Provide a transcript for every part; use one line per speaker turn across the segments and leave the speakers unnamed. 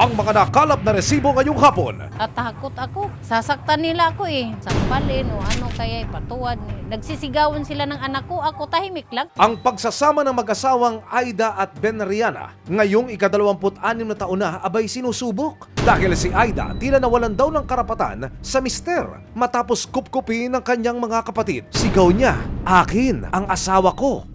ang mga nakalap na resibo ngayong hapon.
At takot ako. Sasaktan nila ako eh. Sampalin o ano kaya ipatuwad. Nagsisigawan sila ng anak ko. Ako tahimik lang.
Ang pagsasama ng mag-asawang Aida at Ben Riana ngayong ika-26 na taon na abay sinusubok. Dahil si Aida tila nawalan daw ng karapatan sa mister matapos kupkupin ng kanyang mga kapatid. Sigaw niya, "Akin ang asawa ko."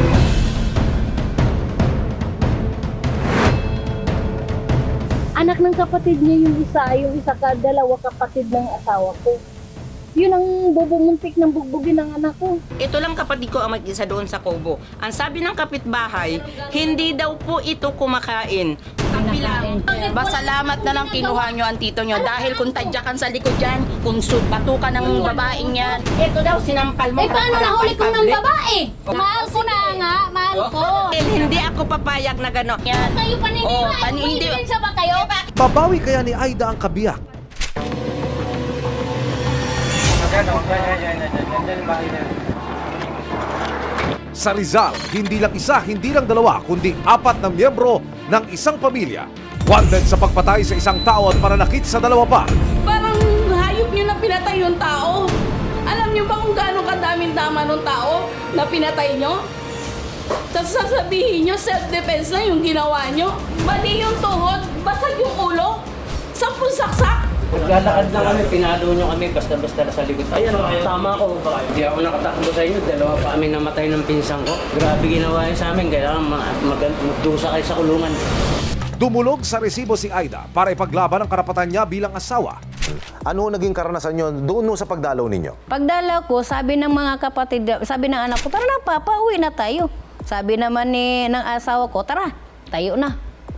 Anak ng kapatid niya yung isa ka, dalawa kapatid ng asawa ko. Yun ang bubumuntik ng bugbugin ng anak ko.
Ito lang kapatid ko ang mag-isa doon sa Kobo. Ang sabi ng kapitbahay, hindi daw po ito kumakain. Kapilang, basalamat na lang kinuha nyo ang tito nyo dahil kung tadyakan sa likod yan, kung batukan ng babaeng yan, ito daw sinampal mo.
Eh paano nahuli ko ng babae? Mahal ko na nga, mahal ko.
Hindi ako papayag na gano'n. Yan.
Kayo paniniwala,
Hindi.
sa ba kayo?
Babawi kaya ni Aida ang kabiyak? Sa Rizal, hindi lang isa, hindi lang dalawa, kundi 4 na miyembro ng isang pamilya. Wanted sa pagpatay sa isang tao at pananakit sa 2 pa.
Parang hayop nyo na pinatay yung tao. Alam nyo ba kung gaano kadaming tama ng tao na pinatay nyo? Tapos sasabihin nyo, self-defense na yung ginawa nyo. Bali yung tuhod, basag yung ulo, 10 saksak.
Naglalakad lang kami, pinalo nyo kami, basta-basta na sa likod. Ayan, tama ko. Hindi ako nakatakbo sa inyo, 2 pa kami namatay ng pinsang ko. Grabe ginawa yun sa amin, kailangan magdusa kayo sa kulungan.
Dumulog sa resibo si Aida para ipaglaban ang karapatan niya bilang asawa.
Ano naging karanasan nyo doon sa pagdalaw ninyo?
Pagdala ko, sabi ng mga kapatid, sabi ng anak ko, tara na papa, uwi na tayo. Sabi naman ng asawa ko, tara, tayo na.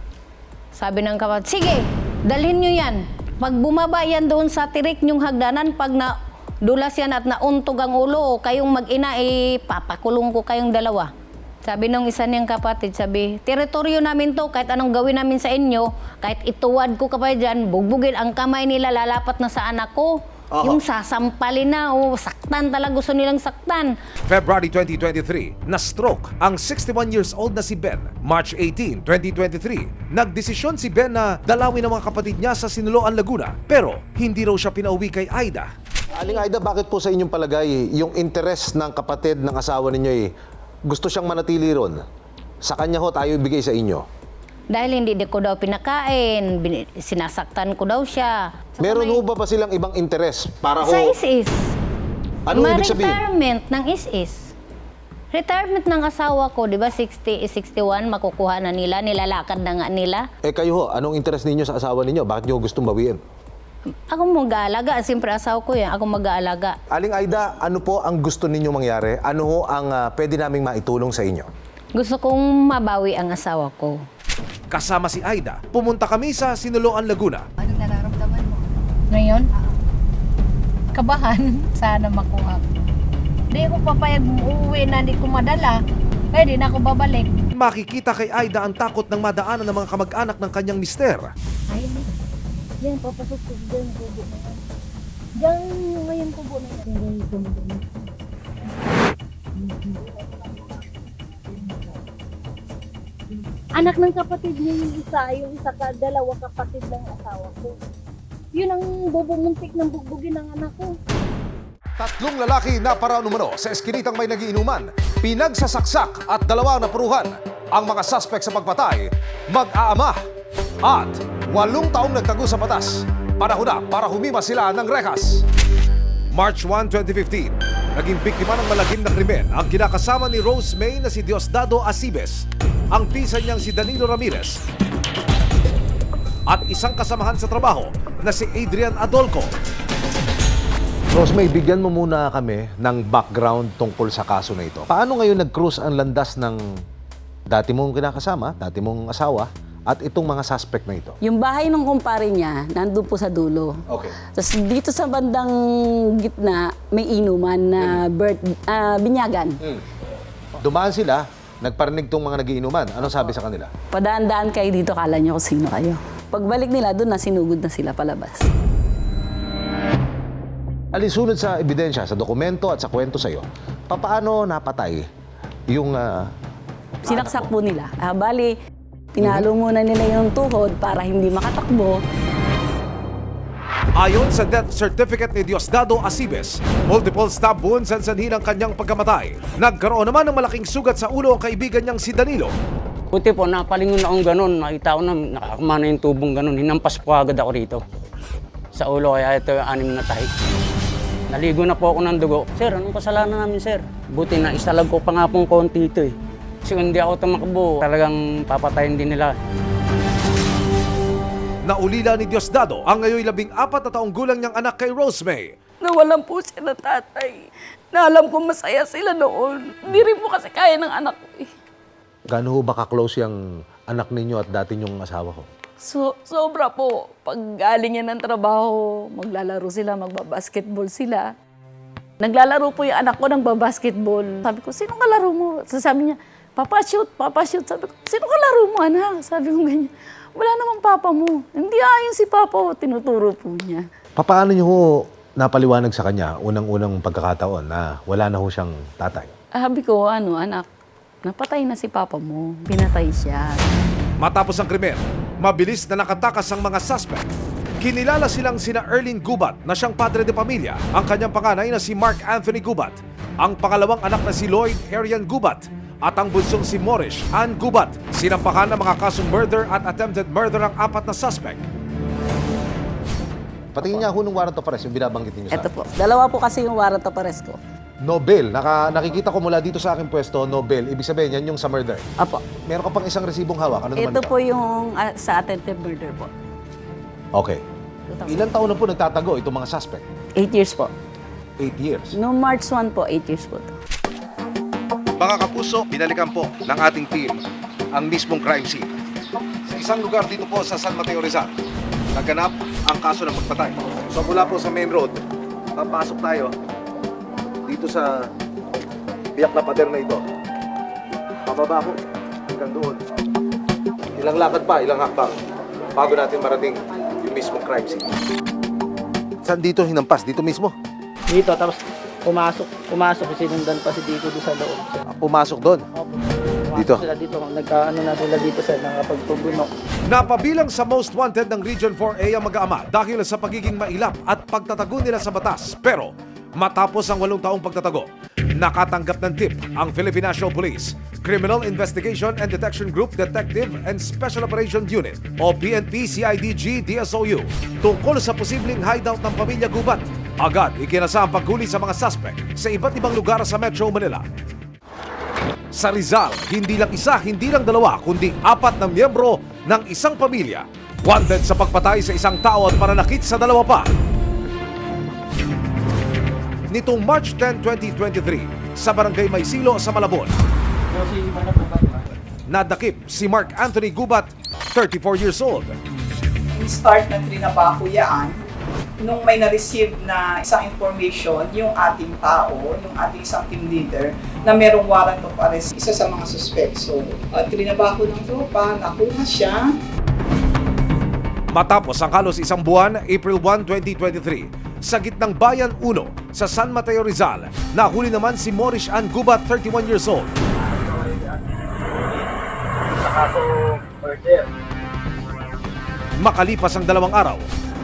Sabi ng kapatid, sige, dalhin nyo yan. Pag bumaba yan doon sa tirik nyong hagdanan, pag nadulas yan at nauntog ang ulo, kayong mag-ina, papakulong ko kayong 2. Sabi ng isa niyang kapatid, sabi, teritoryo namin to, kahit anong gawin namin sa inyo, kahit ituwad ko kapay dyan, bugbugin, ang kamay nila lalapat na sa anak ko. Yung sasampalin na, saktan talaga, gusto nilang saktan.
February 2023, na-stroke ang 61 years old na si Ben. March 18, 2023, nagdesisyon si Ben na dalawin ang mga kapatid niya sa Sinuloan, Laguna. Pero hindi raw siya pinauwi kay Aida.
Aling Aida, bakit po sa inyong palagay yung interes ng kapatid ng asawa ninyo gusto siyang manatili ron? Sa kanya ho tayo ibigay sa inyo.
Dahil hindi ko daw pinakain, sinasaktan ko daw siya.
Meron ho ba silang ibang interes para ho?
Sa is-is.
Anong ibig sabihin?
Retirement ng is-is. Retirement ng asawa ko, di ba 61, makukuha na nila, nilalakad na nga nila.
Kayo ho, anong interes ninyo sa asawa ninyo? Bakit nyo gustong bawiin?
Ako mag-aalaga, siyempre asawa ko yan, ako mag-aalaga.
Aling Aida, ano po ang gusto ninyo mangyari? Ano ho ang pwede naming maitulong sa inyo?
Gusto kong mabawi ang asawa ko.
Kasama si Aida, pumunta kami sa Sinuloan, Laguna.
Anong nararamdaman mo?
Ngayon, kabahan, sana makuha ko. Di ko papayag uuwi na di ko madala. Kaya di na ako babalik.
Makikita kay Aida ang takot ng madaanan ng mga kamag-anak ng kanyang mister.
Ayun eh. Diyan, papasok ko dyan, kubo na yan. Diyan, ngayon kubo na yan. Diyan, kubo na yan. Anak ng kapatid niya yung isa ka, 2 kapatid ng asawa ko. Yun ang bubumuntik ng bugbugin ng anak ko.
3 lalaki na paraanumano sa eskinitang may nagiinuman, pinagsasaksak at 2 napuruhan. Ang mga suspect sa pagpatay, mag-aama at 8 taong nagtago sa batas. Panahon na para humima sila ng rehas. March 1, 2015, naging biktima ng malagim na krimen ang kinakasama ni Rose May na si Diosdado Acibes, ang pisa niyang si Danilo Ramirez, at isang kasamahan sa trabaho na si Adrian Adolco.
Rosemay, bigyan mo muna kami ng background tungkol sa kaso na ito. Paano ngayon nag-cruise ang landas ng dati mong kinakasama, dati mong asawa, at itong mga suspect na ito?
Yung bahay ng kumpare niya, nandun po sa dulo.
Okay.
Tapos dito sa bandang gitna, may inuman na binyagan.
Dumaan sila, nagparinig tong mga nagiinuman. Anong sabi sa kanila?
Padaan-daan kayo dito, kala nyo kung sino kayo. Pagbalik nila, doon na sinugod na sila palabas.
Alinsunod sa ebidensya, sa dokumento at sa kwento sa'yo, papaano napatay yung
Sinaksak po nila. Bali, Tinalo muna nila yung tuhod para hindi makatakbo.
Ayon sa death certificate ni Diosdado Acibes, multiple stab wounds ang sanhi ng kanyang pagkamatay. Nagkaroon naman ng malaking sugat sa ulo ang kaibigan niyang si Danilo.
Buti po, napalingon akong ganun. Nakita ko na nakakamana yung tubong ganun. Hinampas po agad ako rito. Sa ulo, kaya ito yung 6 na tahi. Naligo na po ako ng dugo. Sir, anong kasalanan namin, sir? Buti na isalag ko pa nga pong konti ito eh. Kasi kung hindi ako tumakbo, talagang papatayin din nila.
Naulila ni Diosdado ang ngayon 14 na taong gulang niyang anak kay Rosemay.
Nawalan po sila tatay. Na alam ko masaya sila noon. Hindi rin po kasi kaya ng anak ko eh.
Gaano ho ba ka-close yung anak ninyo at dati nyong asawa ko?
Sobra po. Pag galing yan ng trabaho, maglalaro sila, magbabasketball sila. Naglalaro po yung anak ko ng babasketball. Sabi ko, sino kalaro mo? Sabi niya, Papa shoot. Sabi ko, sino kalaro mo anak? Sabi ko ganyan. Wala namang papa mo. Hindi ayon si papa, tinuturo po niya.
Paano nyo ho napaliwanag sa kanya unang-unang pagkakataon na wala na ho siyang tatay?
Sabi ko, anak, napatay na si papa mo. Pinatay siya.
Matapos ang krimen, mabilis na nakatakas ang mga suspect. Kinilala silang sina Erlene Gubat na siyang padre de pamilya, ang kanyang panganay na si Mark Anthony Gubat, ang pangalawang anak na si Lloyd Arian Gubat, at ang bunsong si Morish Ann Gubat. Sinampahan ng mga kasong murder at attempted murder ang 4 na suspect.
Patingin niya ho ng warrant of arrest, yung binabanggit niyo sa
Ito po. Dalawa po kasi yung warrant of arrest ko.
Nobel. Nakikita ko mula dito sa aking pwesto, Nobel. Ibig sabihin, yan yung sa murder.
Apo.
Meron ka pang isang resibong hawak. Ano naman
Ito po yung sa attempted murder po.
Okay. Ilang taon na po nagtatago itong mga suspect?
8 years po.
8 years.
No March 1 po, 8 years po.
Mga kapuso, binalikan po ng ating team ang mismong crime scene. Sa isang lugar dito po sa San Mateo Rizal, naganap ang kaso ng pagpatay. So mula po sa main road, papasok tayo dito sa biyak na pader na ito. Pababa ko hanggang doon. Ilang lakad pa, ilang hakbang bago natin marating yung mismong crime scene. Saan dito hinampas? Dito mismo?
Dito, tapos pumasok, sinundan pa si Dito doon sa loob.
Pumasok doon. Dito.
Sila dito, nagkaano na sila dito sa nakapagpubunok.
Napabilang sa most wanted ng Region 4A ang mag-aama dahil sa pagiging mailap at pagtatago nila sa batas. Pero matapos ang 8 taong pagtatago, nakatanggap ng tip ang Philippine National Police, Criminal Investigation and Detection Group Detective and Special Operations Unit o PNP CIDG DSOU tungkol sa posibleng hideout ng pamilya Gubat. Agad ikinasa ang paghuli sa mga suspect sa iba't ibang lugar sa Metro Manila. Sa Rizal, hindi lang isa, hindi lang dalawa, kundi 4 na miyembro ng isang pamilya wanted sa pagpatay sa isang tao at pananakit sa 2 pa. Nitong March 10, 2023, sa Barangay Maysilo sa Malabon, nadakip si Mark Anthony Gubat, 34 years old.
Start na trinabaho yan nung may na-receive na isang information yung ating tao, yung ating isang team leader na merong warrant of arrest, isa sa mga suspect. So, trinabaho ng tropa, nakuha siya.
Matapos ang halos isang buwan, April 1, 2023, sa gitnang Bayan 1 sa San Mateo Rizal, nahuli naman si Morish Ann Gubat, 31 years old. Makalipas ang 2 araw,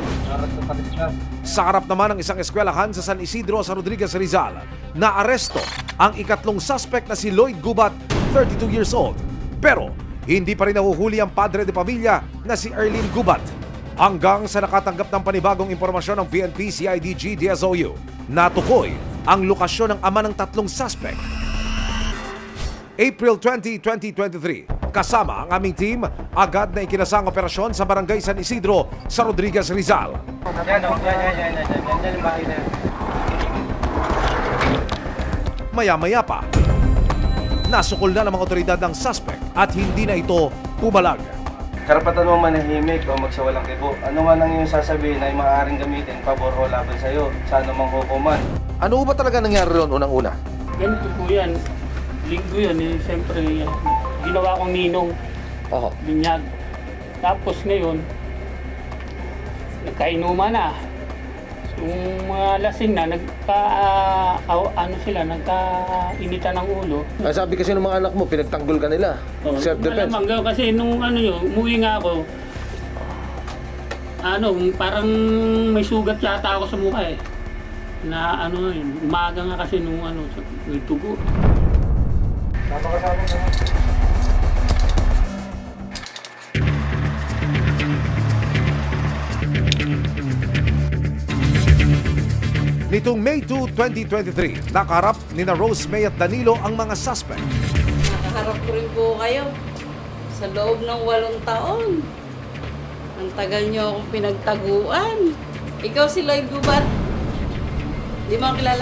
sa harap naman ng isang eskwelahan sa San Isidro sa Rodriguez, Rizal, naaresto ang ikatlong suspect na si Lloyd Gubat, 32 years old. Pero hindi pa rin nahuhuli ang padre de pamilya na si Erlene Gubat. Hanggang sa nakatanggap ng panibagong impormasyon ng PNP CIDG DSOU, natukoy ang lokasyon ng ama ng 3 suspect. April 20, 2023, kasama ang aming team, agad na ikinasang operasyon sa Barangay San Isidro sa Rodriguez, Rizal. Maya-maya pa, nasukol na ng mga otoridad ng suspect at hindi na ito pumalag.
Karapatan mo manahimik o magsawalang kibo. Ano man ang iyong sasabihin ay maaaring gamitin pabor o laban sa iyo sa anumang hukuman.
Ano ba talaga nangyari roon unang-una?
Ganito po yan. Linggo yan eh. Siyempre, ginawa kong ninong. Binyag. Tapos ngayon, nagkainuman na. Yung mga lasing na, nagkainitan ng ulo.
Sabi kasi ng mga anak mo, pinagtanggol ka nila. Self-defense.
Malamang kasi nung umuwi nga ako, parang may sugat yata ako sa mukha eh. Na umaga nga kasi nung may tugo.
Nitong May 2, 2023, nakaharap ni na Rose May at Danilo ang mga suspect.
Nakaharap ko rin po kayo sa loob ng 8 taon. Ang tagal niyo akong pinagtaguan. Ikaw si Lloyd Gubat. Di mo ako kilala?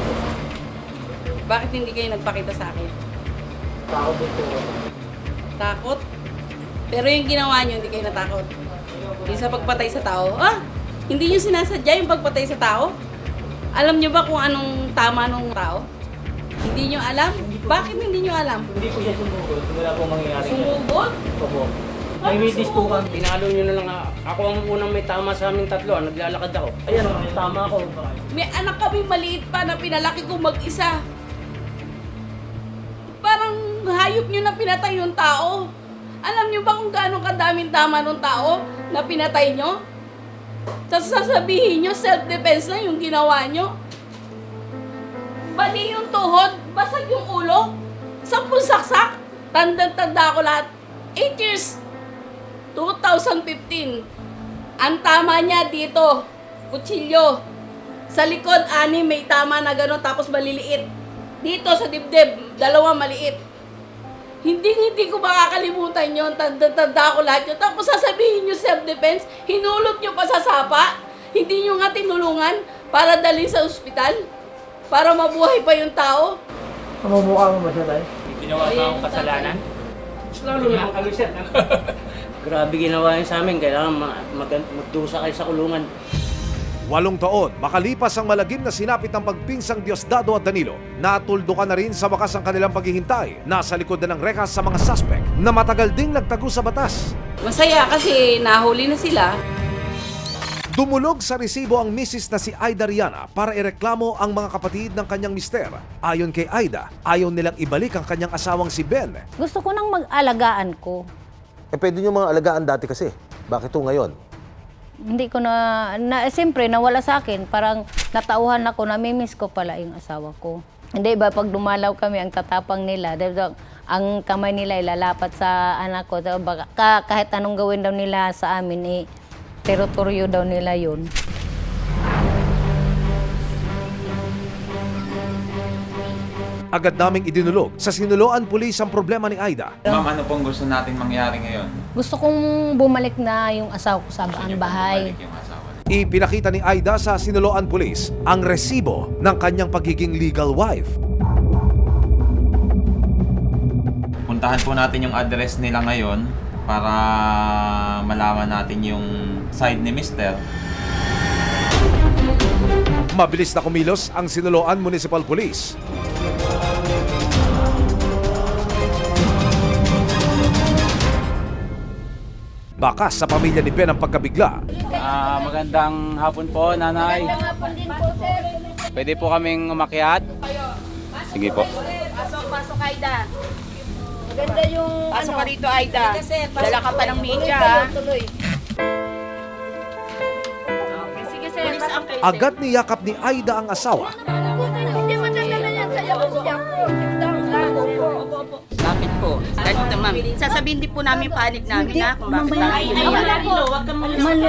Bakit hindi kayo nagpakita sa akin?
Takot ito.
Takot? Pero yung ginawa niyo, hindi kayo natakot. Yung sa pagpatay sa tao. Hindi niyo sinasadya yung pagpatay sa tao? Alam niyo ba kung anong tama nung tao? Hindi niyo alam? Bakit hindi niyo alam?
Hindi po siya sumugod. Wala pong mangyayari.
Sumugod?
Opo. May witness po kami. Pinalo nyo na lang. Ako ang unang may tama sa aming tatlo. Naglalakad ako. Ayan, may tama ako.
May anak kami maliit pa na pinalaki ko mag-isa. Parang hayop niyo na pinatay yung tao. Alam niyo ba kung gaano kadaming tama ng tao na pinatay niyo? Sasabihin niyo self-defense lang yung ginawa niyo. Bali yung tuhod, basag yung ulo, 10 saksak, tanda-tanda ko lahat. 8 years, 2015. Ang tama niya dito, kutsilyo. Sa likod, 6 may tama na gano'n, tapos maliliit. Dito sa dibdib, 2 maliit. Hindi ko makakalimutan yun. Tanda ko lahat yun. Tapos sasabihin nyo self-defense, hinulot nyo pa sa sapa, hindi nyo nga tinulungan para dalhin sa ospital, para mabuhay pa yung tao.
Mamumukha mo ba siya tayo? Ginawa ba akong kasalanan? Lalo naman kami siya. Grabe ginawa yun sa amin. Kailangan magdusa kayo sa kulungan.
8 taon, makalipas ang malagim na sinapit ng pagpinsang Diosdado at Danilo, natuldukan na rin sa wakas ang kanilang paghihintay. Nasa likod na ng rekas sa mga suspect na matagal ding nagtago sa batas.
Masaya kasi nahuli na sila.
Dumulog sa resibo ang misis na si Aida Riana para ireklamo ang mga kapatid ng kanyang mister. Ayon kay Aida, ayaw nilang ibalik ang kanyang asawang si Ben.
Gusto ko nang mag-alagaan ko.
Pwede nyo mga alagaan dati kasi. Bakit ito ngayon?
Hindi ko siyempre nawala sa akin. Parang natauhan ako, namimiss ko pala yung asawa ko. Hindi ba, pag dumalaw kami, ang tatapang nila, ang kamay nila ilalapat sa anak ko. Kahit anong gawin daw nila sa amin, teritoryo daw nila yun.
Agad naming idinulog sa Sinuloan Police ang problema ni Aida.
Ma'am, ano pong gusto natin mangyari ngayon?
Gusto kong bumalik na yung asawa ko sa bahay.
Bumalik yung asawa.
Ipinakita ni Aida sa Sinuloan Police ang resibo ng kanyang pagiging legal wife.
Puntahan po natin yung address nila ngayon para malaman natin yung side ni Mr.
Mabilis na kumilos ang Sinuloan Municipal Police. Bakas sa pamilya ni Ben ang pagkabigla.
Magandang hapon po, nanay. Pwede po kaming umakyat? Sige po.
Pasok, Aida. Maganda yung pasok ka dito, Aida. Dala ka pa ng media, ha? Sige, sir.
Agad niyakap ni Aida ang asawa.
Hindi madadala yan sa iyo.
Bakit po? Ma'am, sasabihin din po namin panig namin na kung bakit tayo. Huwag kang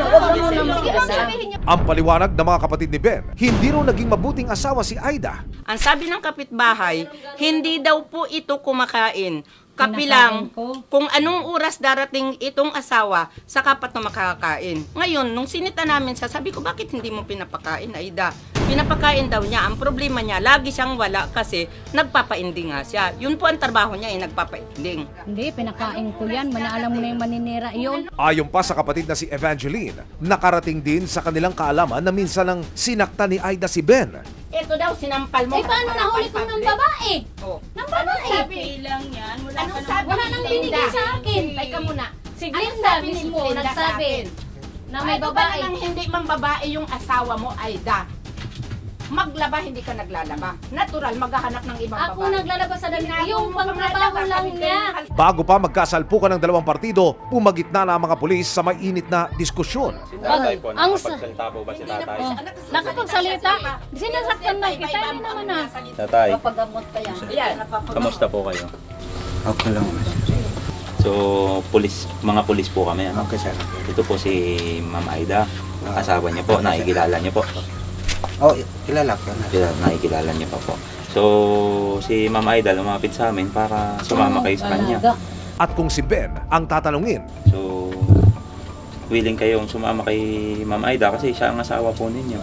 Ang paliwanag ng mga kapatid ni Ben, hindi raw naging mabuting asawa si Aida.
Ang sabi ng kapitbahay, hindi daw po ito kumakain. Kapilang kung anong oras darating itong asawa, saka pa ito makakain. Ngayon, nung sinita namin, sabi ko, bakit hindi mo pinapakain, Aida? Pinapakain daw niya. Ang problema niya, lagi siyang wala kasi nagpapainding nga siya. Yun po ang trabaho niya, nagpapainding.
Hindi, pinakain ko yan. Alam mo na yung maninira yun.
Ayon pa sa kapatid na si Evangeline, nakarating din sa kanilang kaalaman na minsan nang sinakta ni Aida si Ben.
Ito daw, sinampal mo.
Paano nahuli ko ng babae?
Oh.
Ng babae?
Sabi lang yan.
Wala nang binigay sa akin.
Teka muna.
Ayun sabi mismo, nagsabi.
Na may
Ano
babae.
ba nang hindi mang babae yung asawa mo, Aida? Maglaba, hindi ka naglalaba. Natural, maghahanap ng ibang
Ako
babae.
naglalabas sa damit.
Ginagawa
Yung
mo mga
pangtrabaho
dapat,
lang
kahit
niya.
ganyan.
Bago pa magkasalpukan ng dalawang partido, pumagitna na ang mga pulis sa may init na diskusyon.
Tatay po,
ang
nakapagsalita po ba si tatay?
Nakapagsalita. Sinasaktan na kita. Hindi naman na.
Tatay,
Papagamot pa yan.
Ayan.
kamusta po kayo?
Okay lang.
So, mga pulis po kami. Ano?
Okay, sir.
Ito po si Ma'am Aida. Asawa niyo po, nakikilala niyo po.
Oh, kilala ko na.
Nakikilala niyo pa po. So, si Ma'am Aida lumapit sa amin para sumama kayo sa kanya.
At kung si Ben ang tatanungin,
So, willing kayong sumama kay Ma'am Aida kasi siya ang asawa po ninyo.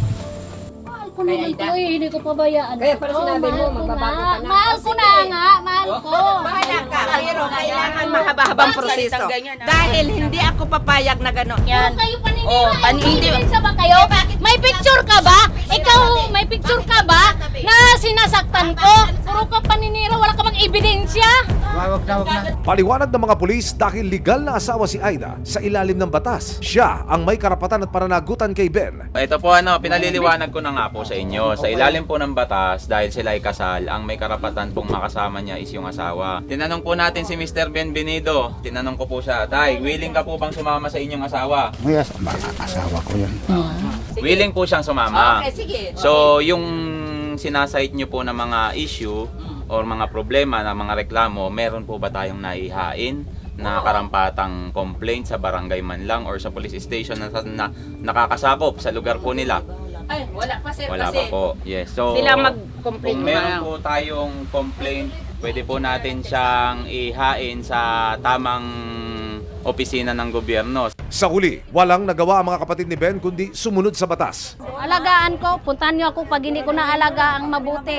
Mahal ko naman to eh. Hindi ko pabayaan.
Kaya pala
ito.
sinabi mo,
Mahal ko
magbabago
nga.
ka na.
Mahal ko na nga. Mahal ko.
Bahala ka, pero kailangan mahaba-habang proseso. Dahil hindi ako papayag na gano'n yan.
Puro kayo paninira.
Oh,
Eh,
paninira.
Sa ba kayo? May picture ka ba? Ikaw, may picture ka ba na sinasaktan ko? Puro ka paninira. Wala ka mang ebidensya.
Wag na.
paliwanag ng mga pulis dahil legal na asawa si Aida sa ilalim ng batas. Siya ang may karapatan at pananagutan kay Ben.
Ito po pinaliliwanag ko na nga po sa inyo. Sa ilalim po ng batas, dahil sila ay kasal, ang may karapatan pong makasama niya is yung asawa. Tinanong po natin si Mr. Benvenido. Tinanong ko po siya, Tay, willing ka po bang sumama sa inyong asawa?
Yes, asawa ko yan.
Willing po siyang sumama.
Okay, sige.
So, yung sinasite nyo po na mga issue or mga problema na mga reklamo, meron po ba tayong naihain na karampatang complaint sa barangay man lang or sa police station na nakakasakop sa lugar po nila?
Ay, wala pa sir
Wala
kasi
pa po. Yes. So,
sila mag-complain
kung meron po tayong complaint, pwede po natin siyang ihain sa tamang opisina ng gobyerno.
Sa huli, walang nagawa ang mga kapatid ni Ben kundi sumunod sa batas.
Alagaan ko. Puntahan niyo ako pag hindi ko na alagaan mabuti.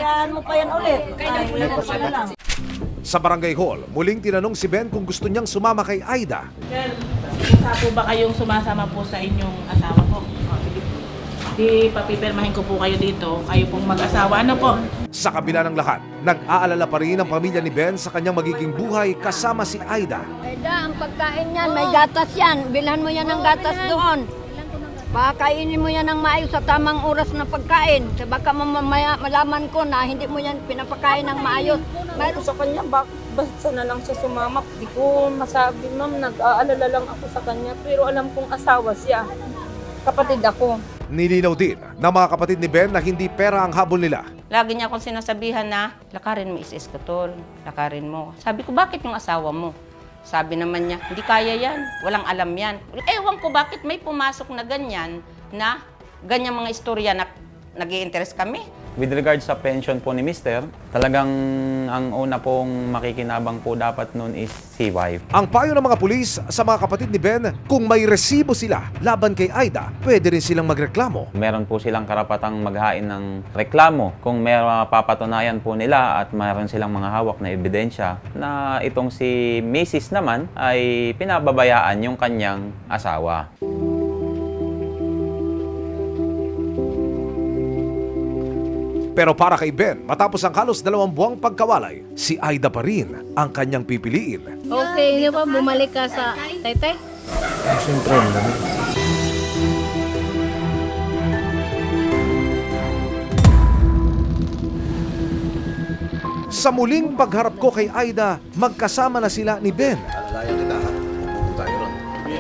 Sa barangay hall, muling tinanong si Ben kung gusto niyang sumama kay Aida.
Sir, isa po ba kayong sumasama po sa inyong asawa ko? Sige po. Di papipirmahin ko po kayo dito. Kayo pong mag-asawa. Ano po?
Sa kabila ng lahat, nag-aalala pa rin ang pamilya ni Ben sa kanyang magiging buhay kasama si Aida.
Aida, ang pagkain yan, may gatas yan. Bilhan mo yan ng gatas doon. Pakainin mo yan ng maayos sa tamang oras na pagkain. Sa baka mamaya malaman ko na hindi mo yan pinapakain ng maayos.
Mayroon sa kanya, basta na lang siya sumama. Di ko masabi, ma'am, nag-aalala lang ako sa kanya. Pero alam kong asawa siya. Kapatid ako.
Nilinaw din ng mga kapatid ni Ben na hindi pera ang habol nila.
Lagi niya akong sinasabihan na, lakarin mo is-eskutol, lakarin mo. Sabi ko, bakit yung asawa mo? Sabi naman niya, hindi kaya yan, walang alam yan. Ewan ko bakit may pumasok na ganyan mga istorya na nag-i-interest kami.
With regards sa pension po ni Mr., talagang ang una pong makikinabang po dapat nun is si wife.
Ang payo ng mga pulis sa mga kapatid ni Ben, kung may resibo sila laban kay Aida, pwede rin silang magreklamo.
Meron po silang karapatang maghain ng reklamo kung may papatunayan po nila at mayroon silang mga hawak na ebidensya na itong si Mrs. naman ay pinababayaan yung kanyang asawa.
Pero para kay Ben, matapos ang halos 2 buwang pagkawalay, si Aida pa rin ang kanyang pipiliin.
Okay, hindi ba bumalik ka sa Taytay?
Siyempre, madami.
Sa muling pagharap ko kay Aida, magkasama na sila ni Ben. Alalayan kita ha. Pupunta tayo ron.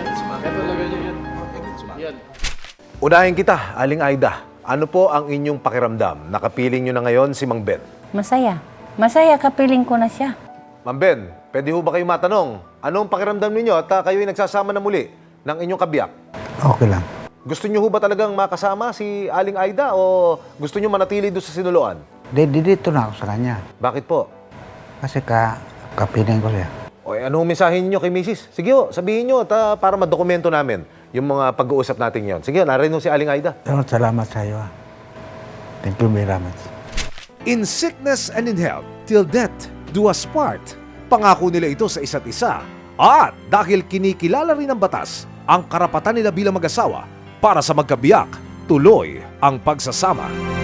Unahin kita, Aling Aida. Ano po ang inyong pakiramdam? Nakapiling nyo na ngayon si Mang Ben.
Masaya. Masaya, kapiling ko na siya.
Mang Ben, pwede ho ba kayo matanong? Anong pakiramdam ninyo at kayo ay nagsasama na muli ng inyong kabiyak?
Okay lang.
Gusto nyo ho ba talagang makasama si Aling Aida o gusto nyo manatili doon sa sinuloan?
Dito na ako sa kanya.
Bakit po?
Kasi kapiling ko siya.
O anong mensahe niyo kay Mrs.? Sige ho, sabihin nyo at para madokumento namin yung mga pag-uusap natin yon. Sige ho, narinig si Aling Aida.
Salamat sa iyo. Thank you very much.
In sickness and in health, till death do us part. Pangako nila ito sa isa't isa. At dahil kinikilala rin ng batas ang karapatan nila bilang mag-asawa para sa magkabiyak, tuloy ang pagsasama.